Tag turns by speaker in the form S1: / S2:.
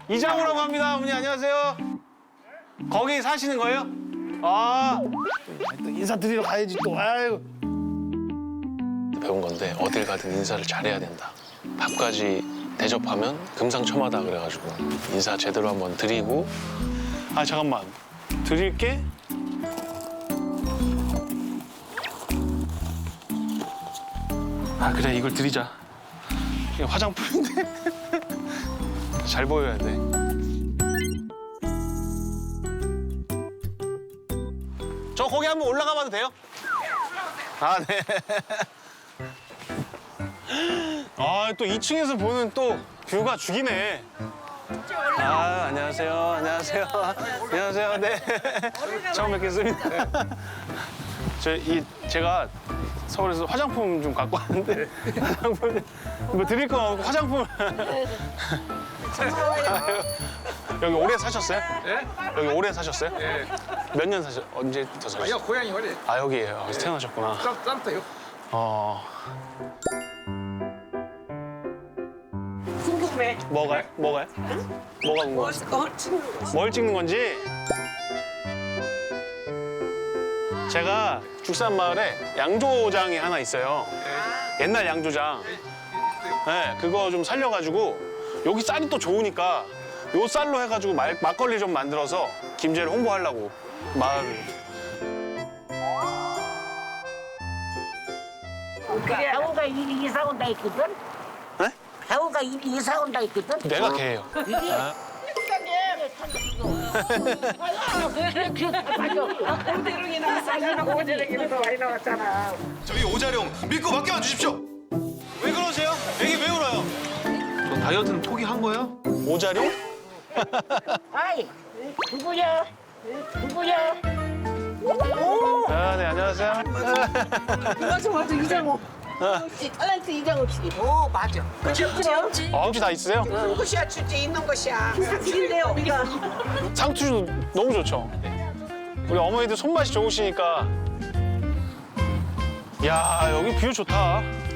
S1: 이장우라고 합니다. 어머니 안녕하세요. 거기 사시는 거예요? 아, 또 인사드리러 가야지 또. 아유. 배운 건데 어딜 가든 인사를 잘해야 된다. 밥까지 대접하면 금상첨화다 그래가지고 인사 제대로 한번 드리고. 아 잠깐만, 드릴게. 아 그래, 이걸 드리자. 이게 화장품인데 잘 보여야 돼. 저 거기 한번 올라가 봐도 돼요? 아 네. 아 또 2층에서 보는 또 뷰가 죽이네. 아 안녕하세요. 안녕하세요. 안녕하세요. 네. 처음 뵙겠습니다. 제가 서울에서 화장품 좀 갖고 왔는데 화장품 뭐 드릴 거 없고 화장품. 여기 오래 사셨어요?
S2: 예?
S1: 여기 오래 사셨어요?
S2: 예.
S1: 몇 년 언제부터 사셨어요?
S2: 아니요, 고향이 어디?
S1: 아 여기에요. 여기서 태어나셨구나.
S2: 쌈터요.
S3: 궁금해.
S1: 뭐가요? 뭐가요? 뭐가 궁금해요? 뭘 찍는 건지? 제가 죽산마을에 양조장이 하나 있어요. 옛날 양조장. 네, 그거 좀 살려가지고 여기 쌀이 또 좋으니까 요 쌀로 해가지고 막걸리 좀 만들어서 김제를 홍보하려고 마을을.
S3: 배우가 일이 이사 온다 했거든?
S1: 네?
S3: 배우가 일이 이사 온다 했거든?
S1: 내가 걔예요. 아,
S3: 오대룡이나 쌀이나 오대룡이나 많이 나왔잖아.
S4: 저희 오자룡 믿고 맡겨봐 주십시오.
S1: 왜 그러세요? 애기 왜 울어요?
S4: 너 다이어트는 포기한 거야?
S1: 오자룡?
S3: 아이, 누구야? 누구야?
S1: 아, 네, 안녕하세요.
S5: 맞아 이장호. 혹시 탤런트 이장호 씨.
S3: 오, 맞아.
S5: 그치?
S1: 아, 혹시 다 있으세요?
S3: 있는 것이야, 주제 있는 것이야.
S5: 사실인데요 우리가.
S1: 상추도 너무 좋죠? 우리 어머니들 손맛이 좋으시니까. 야, 여기 뷰 좋다.